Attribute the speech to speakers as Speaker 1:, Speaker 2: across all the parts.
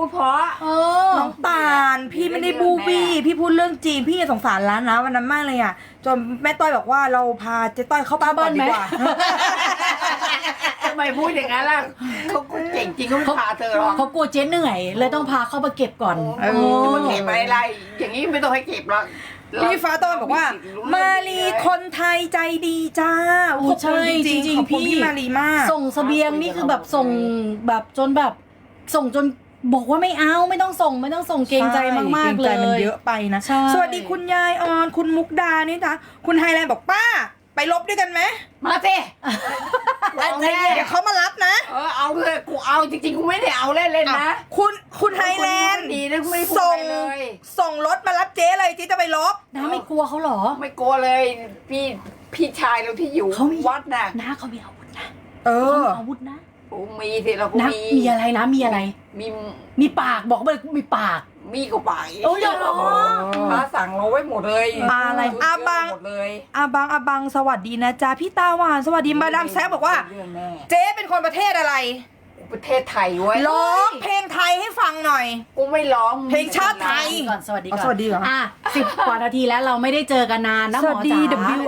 Speaker 1: ดเพราะ
Speaker 2: น้องตาลพี่ไม่ได้บูบี้พี่พูดเรื่องจริงพี่สงสารร้านนะวันนั้นมากเลยอ่ะจนแม่ต้อยบอกว่าเราพาเจ๊ต้อยเข้าบ้านก่อนดีกว่า
Speaker 1: ทำไมพูดอย่างนั้นล่ะเขาเก่งจริงเขาไม่พาเธอหรอก
Speaker 3: เขากลัวเจ๊เหนื่อยเลยต้องพาเข้ามาเก็บก่อน
Speaker 1: จะมาเก็บอะไรอย่างนี้ไม่ต้องให้เก็บหรอก
Speaker 2: พี่ฟ้าต้อยบอกว่ามาลีคนไทยใจดีจ้าขอบคุณจริงๆพี่มาลีมาก
Speaker 3: ส่งเสบียงนี่คือแบบส่งแบบจนแบบส่งจนบอกว่าไม่เอาไม่ต้องส่งเกรงใจมากๆเลย
Speaker 2: มันเยอะไปนะสวัสดีคุณยายออนคุณมุกดานี่จ้ะคุณไฮแลนด์บอกป้าไปลบด้วยกันไหม
Speaker 1: มาสิ
Speaker 2: เดี๋ยวเขามารับนะ
Speaker 1: เอาเลยกูเอาจริงๆกูไม่ได้เอาเล่นๆนะ
Speaker 2: คุณไฮแลนด์
Speaker 1: ดีนะกูไม่พูดเลย
Speaker 2: ส่งรถมารับเจ๊เลยที่จะไปลบ
Speaker 3: น้าไม่กลัวเขาหรอ
Speaker 1: ไม่กลัวเลยพี่ชายเราที่อยู่วัดน่ะ
Speaker 3: น้าเขามีอาวุธนะอาวุธนะ
Speaker 1: โอ้มีสิเราก็
Speaker 3: มีอะไรนะมีอะไรมีปากบอกไปมีปาก
Speaker 1: มีก็ปาก
Speaker 3: โอ้ยเหรอ
Speaker 1: พระสั่งเราไว้หมดเลย
Speaker 2: อะไรอาบังสวัสดีนะจ๊ะพี่ตาหวานสวัสดีมาดามแซบบอกว่าเจ๊เป็นคนประเทศอะไร
Speaker 1: ประเทศไทยเว้ย
Speaker 2: ร้องเพลงไทยให้ฟังหน่อย
Speaker 1: กูไม่ร้อง
Speaker 2: เพลงชาติไทย
Speaker 3: ก่อนสวัสดีก่อน
Speaker 2: สวัสดีก่อน
Speaker 3: 10 กว่านาทีแล้วเราไม่ได้เจอกันนานนะหมอจ๋า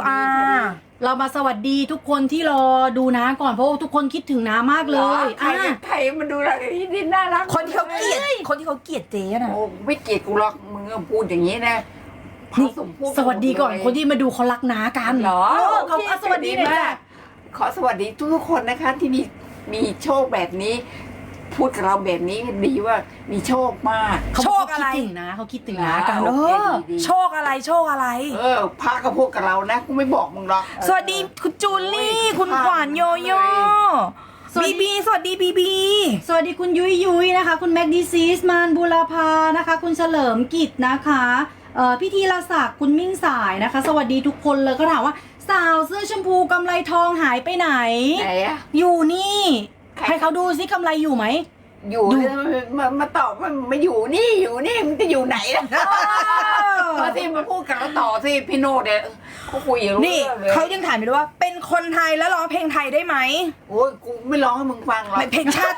Speaker 2: WR
Speaker 3: เรามาสวัสดีทุกคนที่รอดูน้าก่อนเพราะทุกคนคิดถึงน้ามากเลย
Speaker 1: ไทยมันดูอะไรที่น่ารัก
Speaker 2: คนที่เขาเกลียดเจ๊นะ
Speaker 1: โอ้ไม่เกลียดกูหรอกมึงพูดอย่างนี้นะ
Speaker 3: สวัสดีก่อนคนที่มาดูเขารักน้ากัน
Speaker 1: เหรอ
Speaker 3: เขาสวัสดีเลยจ้ะ
Speaker 1: ขอสวัสดีทุกคนนะคะที่มีโชคแบบนี้พูดกับเราแบบนี้ดีว่ามีโชคมาก
Speaker 2: โชคอะไร
Speaker 3: เขาคิดถึงนะกัน
Speaker 2: โชคอะไร
Speaker 1: พากับพวกกับเรานะกูไม่บอกมึงหรอก
Speaker 2: สวัสดีคุณจูลี่คุณขวัญโยโย่บีสวัสดีบี
Speaker 3: สวัสดีคุณยุ้ยนะคะคุณแม็กดีซีสมานบูรพานะคะคุณเฉลิมกิจนะคะพี่ธีรศักดิ์คุณมิ่งสายนะคะสวัสดีทุกคนเลยก็ถามว่าสาวเสื้อชมพูกำไรทองหายไปไหนอยู่นี่ให้เขาดูซิกำไรอยู่ไหม
Speaker 1: อยู่มาตอบมันมาอยู่นี่มันจะอยู่ไหนล่ะพอที่มาพูดกับเราต่อสิพี่โนดเนี่ยเขาคุยอย่าง
Speaker 2: นี่เขายังถามอยู่ด้วยว่าเป็นคนไทยแล้วร้องเพลงไทยได้ไหม
Speaker 1: โอ้ยกูไม่ร้องให้มึงฟังหรอก
Speaker 2: เพลงชาติ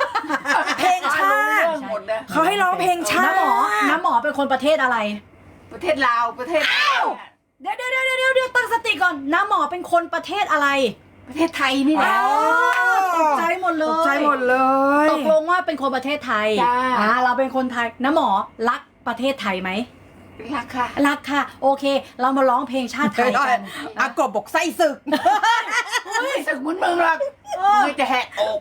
Speaker 2: เขาให้ร้องเพลงชาติ
Speaker 3: น้ำหมอเป็นคนประเทศอะไร
Speaker 1: ประเทศลาวประเทศ
Speaker 3: เดี๋ยวตั้งสติก่อนน้ำหมอเป็นคนประเทศอะไร
Speaker 1: ประเทศไทยนี่แหละ
Speaker 3: ตกใจหมดเลยตกลงว่าเป็นคนประเทศไทยเราเป็นคนไทยน้ำหมอรักประเทศไทยไหม
Speaker 1: รัก
Speaker 3: ค่ะโอเคเรามาร้องเพลงชาติไทยกัน
Speaker 2: กบบอกไส้ศึก
Speaker 1: ศึกมึงหรอกมึงจะแหกอก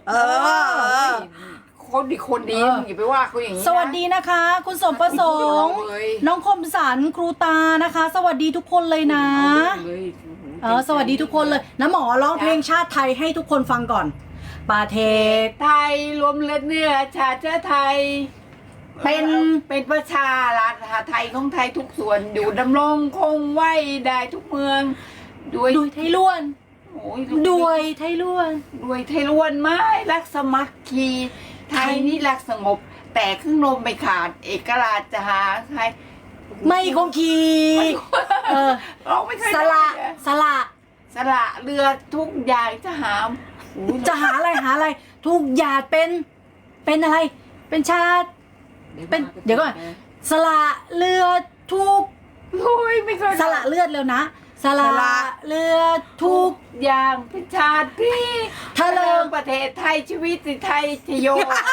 Speaker 1: คนดีอย่าไปว่าเขาอย่างนี้
Speaker 3: สวัสดีนะคะคุณสมประสงค์น้องคมสันครูตานะคะ สวัสดีทุกคนเลยนะสวัสดีทุกคนเลยน้ำหมอร้องเพลงชาติไทยให้ทุกคนฟังก่อนประเทศ
Speaker 1: ไทยรวมเลือดเนื้อชาติไทยเป็นประชารัฐไทยของไทยทุกส่วนอยู่ดำรงคงไว้ได้ทุกเมือง
Speaker 3: ด้วยไทยล้วนด้วยไทยล้
Speaker 1: วนไม่รักสมัครคีไทยนี่รักสงบแต่ครึ่งลมไม่ขาดเอกราชจะหาไทย
Speaker 3: ไม่คงคี
Speaker 1: เราไม่เคย
Speaker 3: สละ
Speaker 1: เรือทุกอย่างจะหา
Speaker 3: อะไรทุกอย่างเป็นอะไรเป็นชาติเป็นเดี๋ยวก่อนสละเรือทุก
Speaker 1: ไม่เคย
Speaker 3: สละเลือดแล้วนะสละเรือทุก
Speaker 1: อย่างเป็นชาติที่
Speaker 3: ทะเล
Speaker 1: ประเทศไทยชีวิตไทยชโย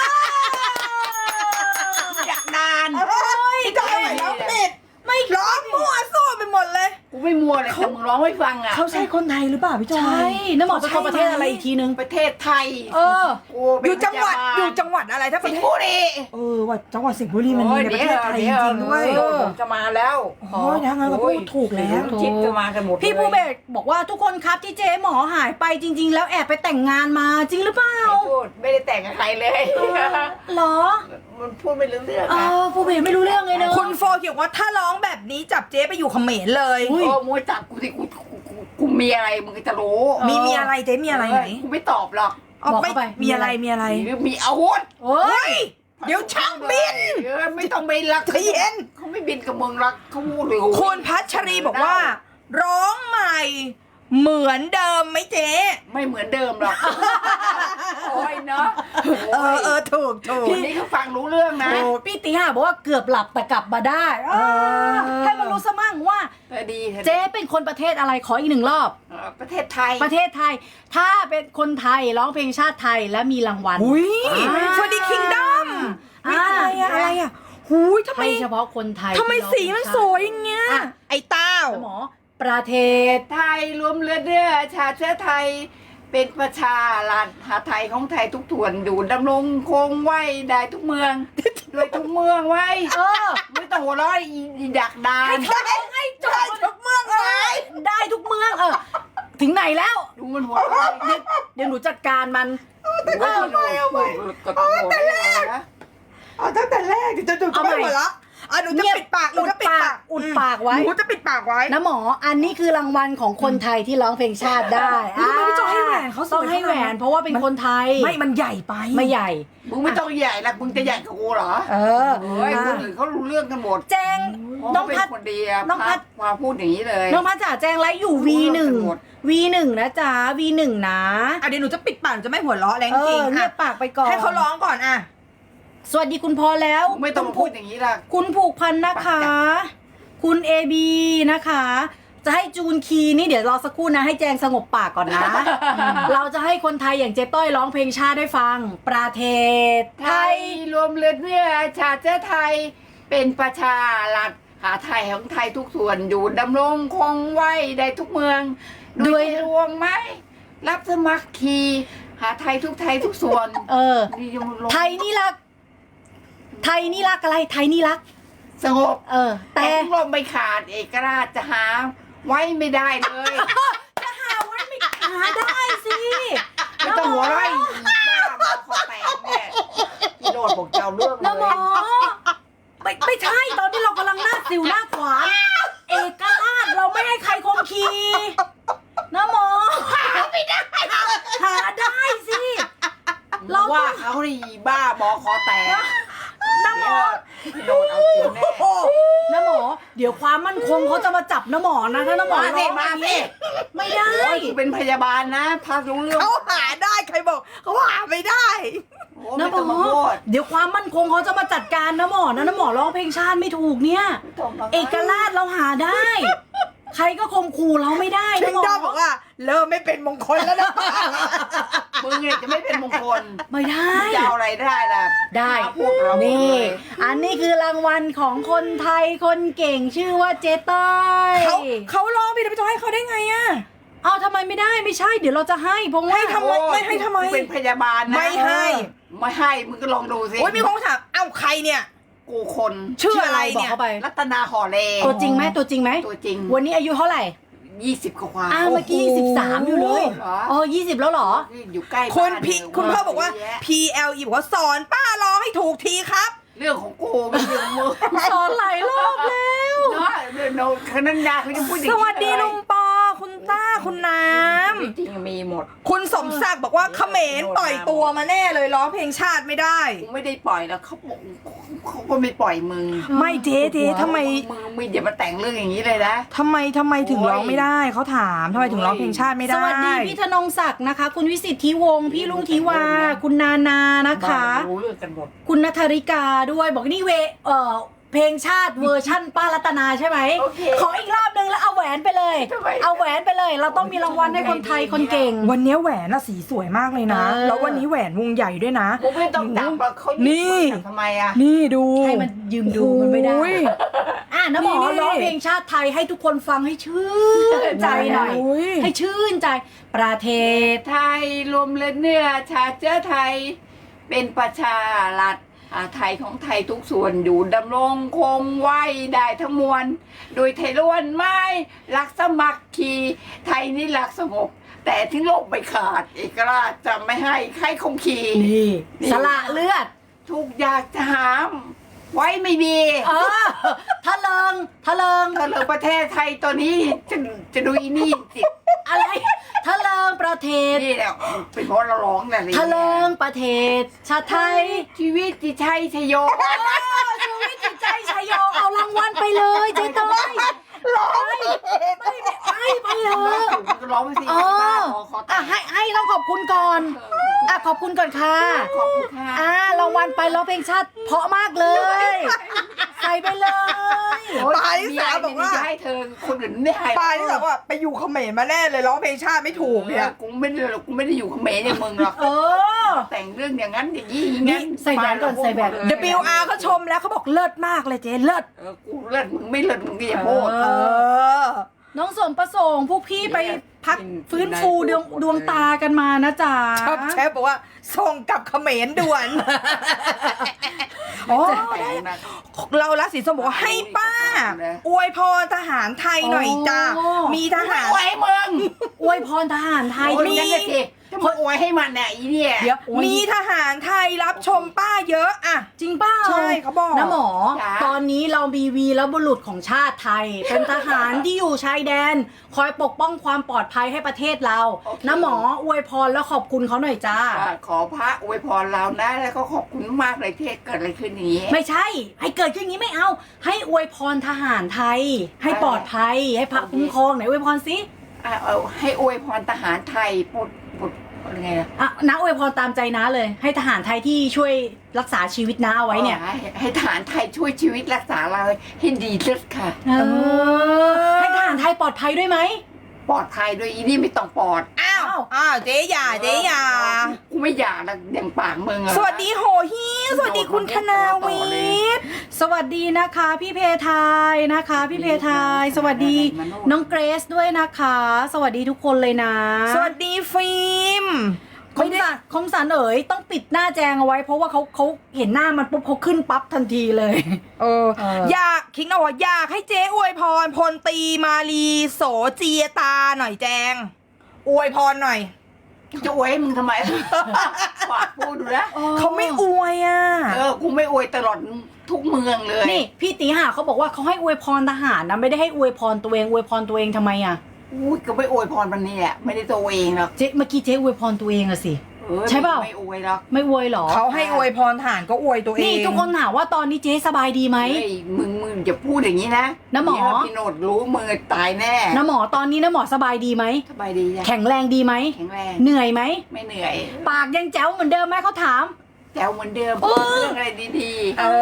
Speaker 1: อยากนาน
Speaker 2: ก็ไม่ร้องผิดไม่ร้องมั่วซั่วไปหมดเลย
Speaker 1: กูไม่มัวเลยแต่มึงร้องไม่ฟังอ่ะ
Speaker 2: เขาใช่คนไทยหรือเปล่าพี่จอย
Speaker 3: ใช่น้ำหมอเป็นคนประเทศอะไรอีกทีนึง
Speaker 1: ประเทศไทย
Speaker 2: อยู่จังหวัดอะไรถ้า
Speaker 1: สิงห์บุรี
Speaker 2: ว่าจังหวัดสิงห์บุรีมันมีในประเทศไทยจริงๆด้วย
Speaker 1: จะมาแล้ว
Speaker 2: ยังไงก็พูดถูกแล้ว
Speaker 1: คิดจะมากันหมด
Speaker 3: พี่ผู้เบกบอกว่าทุกคนครับที่เจ๊หมอหายไปจริงๆแล้วแอบไปแต่งงานมาจริงหรือเปล่า
Speaker 1: ไม่ได้แต่งกับใครเลย
Speaker 3: หรอ
Speaker 1: มันพูดไม่รู้เรื่อง
Speaker 3: ผู้เบกไม่รู้เรื่องเลยเนอะ
Speaker 2: คุณโฟเขียนว่าถ้าร้องแบบนี้จับเจ๊ไปอยู่เขมรเลย
Speaker 1: มัวจับกูสิกูมีอะไรมึงจะรู้
Speaker 2: มีอะไรเจ๊มีอะไรไหน
Speaker 1: กูไม่ตอบหรอก
Speaker 3: บอกเข้าไป
Speaker 2: มีอะไร
Speaker 1: มีอาวุธ
Speaker 2: เดี๋ยวช่างบิน
Speaker 1: ไม่ต้องบินหรอก
Speaker 2: ใจเย็น
Speaker 1: เขาไม่บินกับมึงหรอกเขาพูดเลย
Speaker 2: คุณพัชรีบอกว่าร้องใหม่เหมือนเดิมไหมเจ๊
Speaker 1: ไม่เหมือนเดิมหรอก โอ้ยเนาะ
Speaker 2: ถูก
Speaker 1: ทีนี้เขาฟังรู้เรื่องนะ
Speaker 3: พี่ตีห่าบอกว่าเกือบหลับแต่กลับมาได้ให้มันรู้ซะมั่งว่า
Speaker 1: ดี
Speaker 3: เจ๊เป็นคนประเทศอะไรขออีกหนึ่งรอบ
Speaker 1: ประเทศไทย
Speaker 3: ประเทศไทย ถ้าเป็นคนไทยร้องเพลงชาติไทยและมีรางวัล
Speaker 2: อุ้ย
Speaker 3: อ่า
Speaker 2: สวัสดีคิงดอม
Speaker 3: อ่า
Speaker 2: อะไรอะหูยทำไม
Speaker 3: ให้เฉพาะคนไทย
Speaker 2: ทำไม
Speaker 3: ที่ร้องเพลง
Speaker 2: สีมันสวยอย่างเงี้ย
Speaker 3: อ่ะ
Speaker 2: ไอ้เต้า
Speaker 3: หมอประเทศ
Speaker 1: ไทยรวมเลือดเนื้อชาติเชื้อไทย เป็นประชารัฐหาไทยของไทยทุกส่วนอยู่ดำรงคงไว้ได้ทุกเมืองโดยทุกเมืองไว้ ไม่ต้องหัวเร้อยอีดักดาน
Speaker 3: ให้จบทุกเมืองเลยได้ทุกเมืองถึงไหนแล้ว
Speaker 1: ดูมันหัวเร้อย
Speaker 3: เดี๋ยวหนูจัดการมัน
Speaker 1: เอาไปกดหัวไม่ได้นะ
Speaker 2: เอาตั้งแต่แรกจะดู
Speaker 3: เอาใหม่
Speaker 2: หัวละหนูจะปิดปาก
Speaker 3: อุดปากไว้
Speaker 2: หนูจะปิดปากไว้
Speaker 3: นะหมออันนี้คือรางวัลของคนไทยที่ร้องเพลงชาติได้
Speaker 2: ทำไมพี่จอยให้แหวนเขาสวย
Speaker 3: ต้องให้แหวนเพราะว่าเป็นคนไทย
Speaker 2: ไม่มันใหญ่ไป
Speaker 3: ไม่ใหญ่
Speaker 1: มึงไม่ต้องใหญ่ละมึงจะใหญ่กับกูเหรอ
Speaker 3: เออ
Speaker 1: เฮ้ยคนอื่นเขารู้เรื่องกันหมด
Speaker 3: แจงน้อง
Speaker 1: เป็น
Speaker 3: พัด
Speaker 1: คนดีอะ
Speaker 3: น้องพัด
Speaker 1: มาพูดอย่างนี้เลย
Speaker 3: น้องพัดจ๋าแจงไลฟ์อยู่ V1
Speaker 1: หมด
Speaker 3: V1 นะจ๊ะ V1 นะ
Speaker 2: เดี๋ยวหนูจะปิดปากหนูจะไม่หัวเราะแรงจริง
Speaker 3: เงียบปากไปก่อน
Speaker 2: ให้เขาร้องก่อนอ่ะ
Speaker 3: สวัสดีคุณพอแล้ว
Speaker 1: ไม่ต้องมาพูดอย่างนี้ละ
Speaker 3: คุณผูกพันนะคะ คุณ AB นะคะ จะให้จูนคีย์นี่เดี๋ยวรอสักครู่นะ ให้แจงสงบปากก่อนนะ เราจะให้คนไทยอย่างเจ๊ต้อยร้องเพลงชาติได้ฟัง ประเทศ
Speaker 1: ไทยรวมเลือดเนื้อชาติเชื้อไทย เป็นประชารัฐหาไทยของไทยทุกส่วนอยู่ดำรงคงไว้ได้ทุกเมืองด้วยรวงไหมรับสมัครคีหาไทยทุกส่วน นี่ยังลง
Speaker 3: ไทยนี่รัก ไทยนี่รักอะไร ไทยนี่รัก
Speaker 1: สงบ
Speaker 3: แต่
Speaker 1: แต่ลมไม่ขาดเอกราชจะหาไว้ไม่ได้เลย
Speaker 3: หาได้สิ
Speaker 1: ไม่ต้องหัวไร่บ้าบอคอแตกเนี่ยพี่โรดบอกเจ้าเรื่องเล
Speaker 3: นะหม
Speaker 1: ย
Speaker 3: อไม่ใช่ตอนที่เรากำลังหน้าสิวหน้าขวานเอกราชเราไม่ให้ใครคมคีนะหมอหาได้สิ เรา
Speaker 1: ว่าเขาดีบ้าบอคอแตก
Speaker 3: นะหมอ
Speaker 1: พี่โรดเอาจริงแน่
Speaker 3: นะหมอ เดี๋ยวความมั่นคงเขาจะมาจับนะหมอนะถ้านะหมอ
Speaker 1: มาสิ
Speaker 3: ร้อง
Speaker 1: มาสิ
Speaker 3: ไม่ได้
Speaker 1: โอ้ยกูเป็นพยาบาลนะถ้ารู้เรื่อง
Speaker 2: เขาหาได้ใครบอกเขาหาไม่ได้
Speaker 1: โอ้
Speaker 3: นะ
Speaker 1: ไม่
Speaker 3: หม
Speaker 1: ต้อง
Speaker 3: อ
Speaker 1: มาพูด
Speaker 3: เดี๋ยวความมั่นคงเขาจะมาจัดการนะหมอนะหมอร้องเพลงชาติไม่ถูกเนี่ย
Speaker 1: ไม่ต้องมา
Speaker 3: เอกราชเราหาได้ ใครก็ข่มขู่เราไม่ได้
Speaker 2: คิ
Speaker 3: นะ
Speaker 2: ง
Speaker 3: หม
Speaker 2: ดอ
Speaker 3: อ
Speaker 2: มบอกว่าเริ่มไม่เป็นมงคลแล้วนะ
Speaker 1: มึงเนี่ยจะไม่เป็นมงคล
Speaker 3: ไม่ได้
Speaker 1: จะเอาอะไรได้ล่ะ
Speaker 3: ได้
Speaker 1: พูดเราหมด
Speaker 3: นี่
Speaker 1: เลย
Speaker 3: อันนี้คือรางวัลของคนไทยคนเก่งชื่อว่าเจต้อย
Speaker 2: เขาร้องพี่จะไปให้เขาได้ไงอ่ะ
Speaker 3: เอาทำไมไม่ได้ไม่ใช่ เดี๋ยวเราจะให้เพราะว่า
Speaker 2: ให้ทำไมไม่ให้ทำไม
Speaker 1: กูเป็นพยาบาลนะ
Speaker 2: ไม่ให้
Speaker 1: ไม่ให้มึงก็ลองดูสิ
Speaker 2: โอ้ยมีคนถามเอ้าใครเนี่ย
Speaker 1: กูคน
Speaker 2: ชื่ออะไร
Speaker 3: บอ
Speaker 2: เนี่
Speaker 3: ก
Speaker 2: ย
Speaker 3: เข้าไป
Speaker 1: รัตนาห่อเล
Speaker 3: ตัวจริงไหมตัวจริงไหม
Speaker 1: ตัวจริง
Speaker 3: วันนี้อายุเท่าไหร่
Speaker 1: 20กว่า
Speaker 3: เมื่อกี้13อยู่เลย
Speaker 1: เหรอ
Speaker 3: อ๋อ20แล้วเหรอ
Speaker 1: อยู่ใกล้
Speaker 2: คุณ
Speaker 1: บ้าน
Speaker 2: พี่
Speaker 1: เย
Speaker 2: คุณพ่อบอกว่า
Speaker 1: เยะ
Speaker 2: PLE บอกว่าสอนป้าร้องให้ถูกทีครับ
Speaker 1: เรื่องของกูไม่ใช่ของมึง
Speaker 3: สอนหลายรอบแล้ว
Speaker 1: เนาะเดี๋ยวโน้ตคณัญญาเขาจะพูดอย่าง
Speaker 2: ส
Speaker 1: นี้
Speaker 2: วัสดี
Speaker 1: เลย
Speaker 2: ลุงปอ คุณต้าคุณน้
Speaker 1: จริงๆมีหมด
Speaker 2: ำคุณสมศักดิ์บอกว่าเขมรปล่อยตัวมาแน่เลยร้องเพลงชาติไม่ได้
Speaker 1: กูไม่ได้ปล่อยแล้วเขาบอกเขาก็ไม่ปล่อยมึง
Speaker 2: ไม่เจ๊ทำไม
Speaker 1: มึงอย่ามาแต่งเรื่องอย่างนี้เลยนะ
Speaker 2: ทำไมถึงร้องไม่ได้เขาถามทำไมถึงร้องเพลงชาติไม่
Speaker 3: ส
Speaker 2: ได้
Speaker 3: วัสดีพี่ธนงศักดิ์นะคะ คุณวิสิทธิวงศ์พี่ลุงทิวา คุณนานานะคะ
Speaker 1: บ้ารู้เรื่องกันหมด
Speaker 3: คุณนัทธริกาด้วยบอกนี่เพลงชาติเวอร์ชั่นป้ารัตนาใช่ไหม
Speaker 1: โอเค
Speaker 3: ขออีกรอบนึงแล้วเอาแหวนไปเลย
Speaker 1: ทำไม
Speaker 3: เอาแหวนไปเลย เราต้องมีรางวัลให้คนไทยคนเก่ง
Speaker 2: วันนี้แหวนน่ะสีสวยมากเลยนะ
Speaker 3: เออ
Speaker 2: แล้ววันนี้แหวนวงใหญ่ด้วยนะ
Speaker 1: กูไม่ต้องจับหรอกเขา
Speaker 2: นี่
Speaker 1: จับทำไมอ่ะ
Speaker 2: นี่ดู
Speaker 3: ให้มันยืมดูมันไม่ได้
Speaker 2: โอ้ย
Speaker 3: น้ำหมอ
Speaker 2: นี่
Speaker 3: ร้องเพลงชาติไทยให้ทุกคนฟังให้ชื่นใจหน่อย
Speaker 2: โอ้ย
Speaker 3: ให้ชื่นใจ ประเทศ
Speaker 1: ไทยรวมเลือดเนื้อชาติเชื้อไทย เป็นประชารัฐไทยของไทยทุกส่วนอยู่ดำรงคงไว้ได้ทั้งมวล โดยไทยล้วนไม่รักสมัครคีไทยนี่รักสงบ แต่ทิ้งโลกไปขาด เอกราชจะไม่ให้ใครคงคี
Speaker 3: นี่สละเลือด
Speaker 1: ทุกอยากจะหามไว้ไม่มี
Speaker 3: ทะเลิง
Speaker 1: ถ้าเลิกประเทศไทยตอนนี้จะดูอีนี่สิ
Speaker 3: อะไรทะเลิงประเทศ
Speaker 1: นี่แหละเป็นเพราะเราร้องแต่ละ
Speaker 3: ทะเลิงประเทศ ชาติไทย
Speaker 1: ชีวิตจิตชัยชโย
Speaker 3: ชีวิตจิตใจชัยโยเอารางวัลไปเลยเจ๊ต้อยร้องไม่ไปเถอะ
Speaker 1: ก็ร้องไปสิ
Speaker 3: เออ
Speaker 1: ขอ
Speaker 3: อ่ะให้ต้องขอบคุณก่อนอ่ะขอบคุณก่อนค่ะ
Speaker 1: ขอบคุณค่ะ
Speaker 3: รางวัลไปร้องเพลงชาติเพราะมากเลย ใส่ไปเลย
Speaker 1: โอ๊ย
Speaker 2: ปาลิสาบอกว่า
Speaker 1: จะให้เธอคนอื่นไม่ให้
Speaker 2: ปาที่บอกว่าไปอยู่เขมรมาแน่เลยร้องเพลงชาติไม่ถูกเนี่ย
Speaker 1: กูไม่ได้หรอกกูไม่ได้อยู่เขมรอย่างมึงหรอก
Speaker 3: เออ
Speaker 1: แต่งเรื่องอย่างนั้นอย่างนี้อย่างนั้น
Speaker 3: นี่ใส่แหวนก่อนใส่แหวน
Speaker 2: WR เขาชมแล้วเขาบอกเลิศมากเลยเจ๊เลิศ
Speaker 1: กูเลิศมึงไม่เลิศมึงก็อย่าพูด
Speaker 2: เออ
Speaker 3: น้องสมประสงค์พวกพี่ไปพักฟื้นฟูดวงตากันมานะจ๊ะ
Speaker 2: เชฟบอกว่าส่งกลับเขมรด่วน อ๋อ
Speaker 1: แต่งนะ
Speaker 2: เราละสีส้มบอกว่าให้ป้า อวยพรทหารไทยหน่อยจ้า มีทหาร
Speaker 1: อวยให้มึง
Speaker 3: อวยพรทหารไทย
Speaker 1: โอ้ย
Speaker 3: มี
Speaker 1: นั่นน่ะสิถ้ามึงอวยให้มันเนี่ยอีเนี่ย
Speaker 2: เดี๋ยวมีทหารไทยรับชมป้าเยอะอะ
Speaker 3: จริงเปล่า
Speaker 2: ใช่เขาบอก
Speaker 3: นะหมอ
Speaker 1: จ้ะ
Speaker 3: ตอนนี้เรามีวีรบุรุษของชาติไทย เป็นทหารที่อยู่ชายแดน คอยปกป้องความปลอดภัยให้ประเทศเรานะหมออวยพรแล้วขอบคุณเขาหน่อยจ้า
Speaker 1: ขอพระอวยพรเรานะแล้วก็ขอบคุณมากเลยที่เกิดอะไรขึ้นอย่างนี้
Speaker 3: ไม่ใช่ ให้เกิดขึ้นอย่างนี้ไม่เอา ให้อวยพรทหารไทย ให้ปลอดภัย ให้พระคุ้มครองไหนอวยพรสิ
Speaker 1: เอาให้อวยพรทหารไทยปุดอะไรไงล่ะ
Speaker 3: อ่ะน้าอวยพรตามใจน้าเลย ให้ทหารไทยที่ช่วยรักษาชีวิตน้าเอาไว้เนี่ย
Speaker 1: ให้ทหารไทยช่วยชีวิตรักษาเราให้ดีที่สุดค่ะ
Speaker 3: เออให้ทหารไทยปลอดภัยด้วยไหม
Speaker 1: ปลอดภัยด้วยอีนี่ไม่ต้องปลอด
Speaker 2: อ้าวเจ๊หยาเจ๊หยา
Speaker 1: กูไม่อยากนะอย่างปากมึงอะ
Speaker 2: สวัสดีโหฮิสวัสดีคุณธนาวิทย์
Speaker 3: สวัสดีนะคะพี่เพทายนะคะ พี่เพทาย สวัสดีน้องเกรซด้วยนะคะ สวัสดีทุกคนเลยนะ
Speaker 2: สวัสดีฟิล์ม
Speaker 3: คมสันเอ๋ยต้องปิดหน้าแจงเอาไว้ เพราะว่าเขาเห็นหน้ามันปุ๊บเขาขึ้นปั๊บทันทีเลย
Speaker 2: อยากคิงเอาว่าอยากให้เจ๊อวยพรพลตรีมาลีโสเจียตาหน่อยแจง อวยพรหน่อย
Speaker 1: จะอวยให้มึงทำไม ปากพูดดูนะ
Speaker 2: เขาไม่อวยอ่ะ
Speaker 1: กูไม่อวยตลอดทุกเมืองเลย
Speaker 3: นี่พี่ตีห่าเขาบอกว่าเขาให้อวยพรทหารนะไม่ได้ให้อวยพรตัวเองอวยพรตัวเองทำไมอ่ะ
Speaker 1: อุ้ยก็ไม่อวยพรมันนี่แหละไม่ได้ตัวเองหรอก
Speaker 3: เจ๊เมื่อกี้เจ๊อวยพรตัวเองอะสิ ใช่เปล่า
Speaker 1: ไม่อวยหรอก
Speaker 3: ไม่อวยหรอ
Speaker 2: เขาให้อวยพรทหารก็อวยตัวเอง
Speaker 3: นี่ทุกคนถามว่าตอนนี้เจ๊สบายดีไหม
Speaker 1: เฮ้ยมึงอย่าพูดอย่างนี้นะ
Speaker 3: นะหมอ
Speaker 1: เดี๋ยวพี่โนดรู้มือตายแน่
Speaker 3: นะหมอตอนนี้นะหมอสบายดีไหม
Speaker 1: สบายดีจ้ะ
Speaker 3: แข็งแรงดีไหม
Speaker 1: แข็งแรง
Speaker 3: เหนื่อยไหม
Speaker 1: ไม่เหนื่อย
Speaker 3: ปากยังแจ๋วเหมือนเดิมไหมเขาถาม
Speaker 1: แจ๋วเหมือนเดิม
Speaker 3: เออ
Speaker 1: เรื่องอะไรดีๆ
Speaker 2: เอ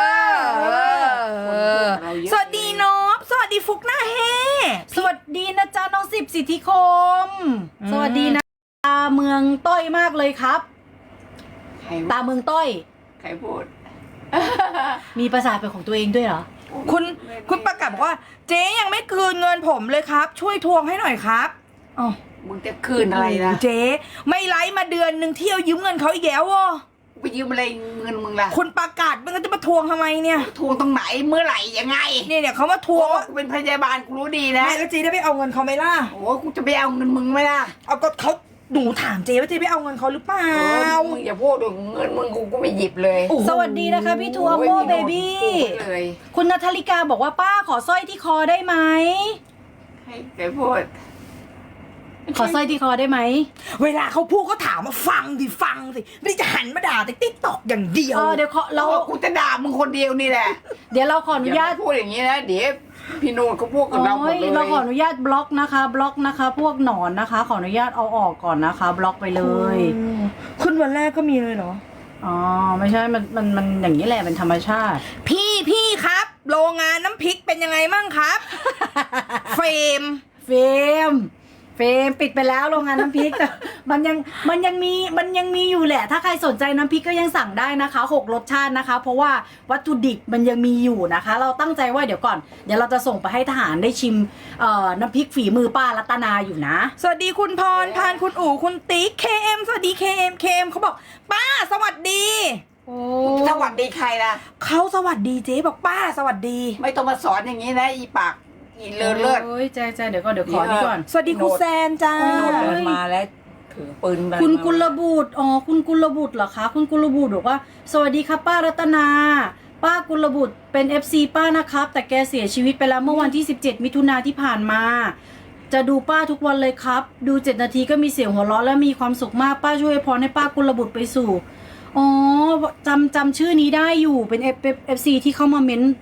Speaker 2: อ สวัสดีนอบสวัสดีฟุกหน้าเฮ
Speaker 3: สวัสดีนะจ๊ะน้องสิบสิทธิคม สวัสดีนะตาเมืองต้อยมากเลยครับ
Speaker 1: ใคร
Speaker 3: ตาเมืองต้อย
Speaker 1: ใครพูด
Speaker 3: มีภาษาเป็นของตัวเองด้วยเหรอ
Speaker 2: คุณประกาศบอกว่า เจ๊ยังไม่คืนเงินผมเลยครับ ช่วยทวงให้หน่อยครับอ๋อ
Speaker 1: มึงจะคืนอะไรนะ
Speaker 2: เจ๊ไม่ไลฟ์มาเดือนหนึ่งเที่ยวยืมเงินเขาอีกแล้วอ่ะ
Speaker 1: ไปยืมอะไรเงินมึงล่ะ
Speaker 2: คุณประกาศมันก็จะมาทวงทำไมเนี่ย
Speaker 1: ทวงตรงไหนเมื่อไหร่ยังไง
Speaker 2: เนี่ยเขามาทวงว่า
Speaker 1: กูเป็นพยาบาลกูรู้ดีนะ
Speaker 2: แม่แล้วเจ๊ได้ไปเอาเงินเขาไหมล่ะ
Speaker 1: โอ้กูจะไปเอาเงินมึงไหมล่ะ
Speaker 2: เอาก็เขาหนูถามเจ๊ว่าเจ๊ไปเอาเงินเขาหรือเปล่า
Speaker 1: มึงอย่าพูดเลยเงินมึงกูก็ไม่หยิบเลย
Speaker 2: โอ้โห
Speaker 3: สวัสดีนะคะพี่ทัวร์โมเบบี้
Speaker 1: พูดเลย
Speaker 3: คุณนัทธริกาบอกว่าป้าขอสร้อยที่คอได้ไหม
Speaker 1: ให้ใครพูด
Speaker 3: ขอสร้อยที่คอได้ไหม
Speaker 2: เวลาเขาพูดเขาถามมาฟังสิไม่จะหันมาด่าแต่ติ๊กตอกอย่างเดียว
Speaker 3: เดี๋ยวเรา
Speaker 1: กูจะด่ามึงคนเดียวนี่แหละ
Speaker 3: เดี๋ยวเราขออนุญาต
Speaker 1: อย่พูดอย่างนี้นะเดี๋ยวพี่โนนเขาพูดกับเราหมดเลย
Speaker 3: เราขออนุญาตบล็อกนะคะ บล็อกนะคะ พวกหนอนนะคะ ขออนุญาตเอาออกก่อนนะคะ บล็อกไปเลย
Speaker 2: ขึ้นวันแรกก็มีเลยเหรอ
Speaker 3: อ๋อไม่ใช่มันอย่างนี้แหละเป็นธรรมชาติ
Speaker 2: พี่ครับ โรงงานน้ำพริกเป็นยังไงมั่งครับ เฟรม
Speaker 3: เฟรมปิดไปแล้วโรงงานน้ำพริกแต่มันยังมีอยู่แหละ ถ้าใครสนใจน้ำพริกก็ยังสั่งได้นะคะ6รสชาตินะคะ เพราะว่าวัตถุดิบมันยังมีอยู่นะคะ เราตั้งใจว่าเดี๋ยวก่อนเดี๋ยวเราจะส่งไปให้ทหารได้ชิมน้ำพริกฝีมือป้ารัตนาอยู่นะ
Speaker 2: สวัสดีคุณพรพานคุณอู๋คุณติ๊กKM สวัสดี KM เขาบอกป้าสวัสดี
Speaker 1: สวัสดีใครล่ะ
Speaker 2: เขาสวัสดีเจ๊บอกป้าสวัสดี
Speaker 1: ไม่ต้องมาสอนอย่างนี้นะอีปากอีเลิศ
Speaker 3: โอ้ยใจเดี๋ยวก่อนเดี๋ยวขอนี่ก่อน
Speaker 2: สวัสดีคุณแซนจ้า
Speaker 3: โอ้
Speaker 1: โนดเดินมาแล้วถือปืนมา
Speaker 3: คุณกุลบุตรอ๋อคุณกุลบุตรเหรอคะคุณกุลบุตรบอกว่าสวัสดีครับป้ารัตนา ป้ากุลบุตรเป็น FC ป้านะครับแต่แกเสียชีวิตไปแล้วเมื่อวันที่17มิถุนาที่ผ่านมา จะดูป้าทุกวันเลยครับดู7นาทีก็มีเสียงหัวเราะและมีความสุขมากป้าช่วยพรให้ป้ากุลบุตรไปสู่อ๋อจำชื่อนี้ได้อยู่เป็น FC ที่เข้ามาเม้น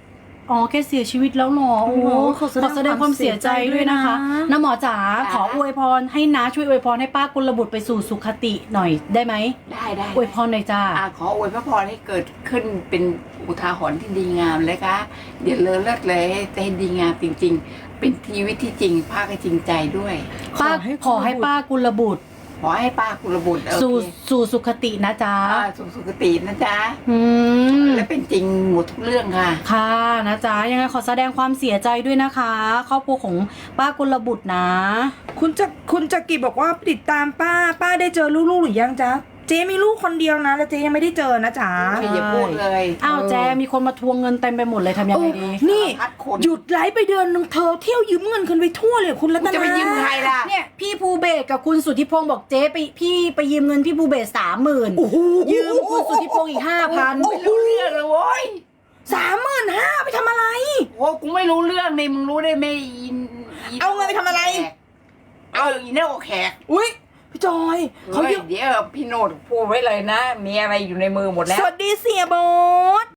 Speaker 3: อ๋อแกเสียชีวิตแล้วเหรอโอ้โหขอแสดงความเสียใจด้วยนะคะน้าหมอจ๋าขออวยพรให้น้าช่วยอวยพรให้ป้ากุลบุตรไปสู่สุขติหน่อยได้ไหม
Speaker 1: ได้
Speaker 3: อวยพรหน่อยจ้า
Speaker 1: ขออวยพระพรให้เกิดขึ้นเป็นอุทาหรณ์ที่ดีงามเลยค่ะเดี๋ยวเลิศเลยให้ดีงามจริง ๆ เป็นชีวิตที่จริงภาคให้จริงใจด้วย
Speaker 3: ป้าขอให้ป้ากุลบุตร
Speaker 1: ขอให้ป้ากุลบุตรโอ
Speaker 3: สู่
Speaker 1: เค
Speaker 3: สู่สุขตินะจ๊ะ
Speaker 1: สู่สุคตินะจ๊ะ
Speaker 3: อืม
Speaker 1: และเป็นจริงหมดทุกเรื่องค่ะ
Speaker 3: ค่ะนะจ๊ะยังไงขอแสดงความเสียใจด้วยนะคะครอบครัวของป้ากุลบุตรนะ
Speaker 2: คุณจักรีบอกว่าติดตามป้าได้เจอลูกๆหรือยังจ๊ะเจ๊มีลูกคนเดียวนะแล้วเจ๊ยังไม่ได้เจอนะจ๊ะ
Speaker 1: ไม่อย่าพูดเลย
Speaker 3: อ้าวแจมีคนมาทวงเงินเต็มไปหมดเลยทำยังไงดี
Speaker 2: นี่
Speaker 1: สารพัดคน
Speaker 2: หยุดไลฟ์ไปเดือนนึงเธอเที่ยวยืมเงินคนไปทั่วเลยคุณรัต
Speaker 1: กู
Speaker 2: นา
Speaker 1: จะไปยืมใครล่ะ
Speaker 3: เนี่ยพี่ภูเบศกับคุณสุทธิพงศ์บอกเจ๊ไปยืมเงินพี่ภูเบศ30,000
Speaker 2: โอ้โห
Speaker 3: ยืมคุณสุทธิพงศ์อีก5,000
Speaker 1: ไม่รู้เรื่องเลยโว้ย
Speaker 2: 35,000ไปทำอะไร
Speaker 1: โอ้กูไม่รู้เรื่องนี่มึงรู้ได้ไหม
Speaker 2: เอาเงินไปทำอะไร
Speaker 1: เอาอีเน่าแขก
Speaker 2: อุ้ยพี่จอยเขา
Speaker 1: เฮ้ย
Speaker 2: ยืม
Speaker 1: เดี๋ยวพี่โนดพูดไว้เลยนะ มีอะไรอยู่ในมือหมดแล้ว
Speaker 2: สวัสดีเสียโบท